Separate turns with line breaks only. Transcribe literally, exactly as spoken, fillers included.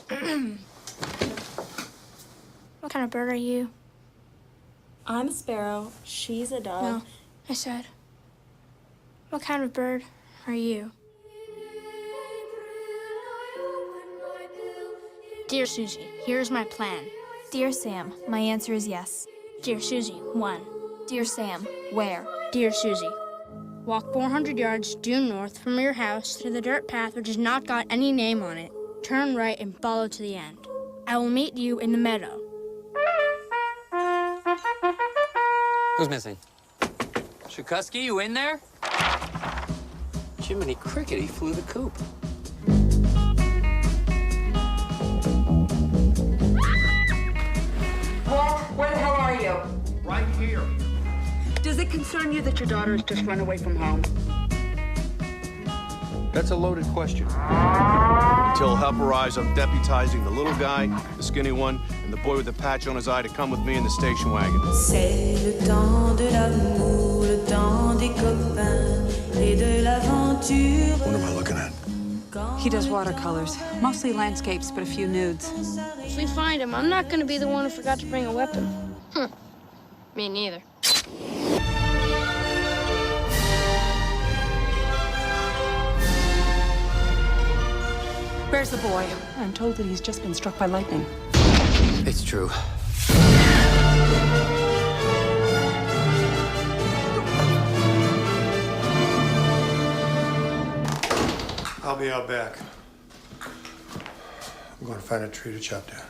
What kind of bird are you?
I'm a sparrow. She's a dove.
No, I said, what kind of bird are you? Dear Susie, here's my plan.
Dear Sam, my answer is yes.
Dear Susie, one.
Dear Sam, where?
Dear Susie, walk four hundred yards due north from your house to the dirt path which has not got any name on it. Turn right and follow to the end. I will meet you in the meadow.
Who's missing? Shukusky, you in there? Jiminy Cricket, he flew the coop.
Walt, where the hell are you?
Right here.
Does it concern you that your daughter has just run away from home?
That's a loaded question.
Until help arrives, I'm deputizing the little guy, the skinny one, and the boy with the patch on his eye to come with me in the station wagon.
C'est le temps de l'amour, le temps des copains et de l'aventure.
What am I looking at?
He does watercolors, mostly landscapes, but a few nudes.
If we find him, I'm not going to be the one who forgot to bring a weapon. Hm. Me neither.
Where's the boy? I'm told that he's just been struck by lightning.
It's true.
I'll be out back. I'm going to find a tree to chop down.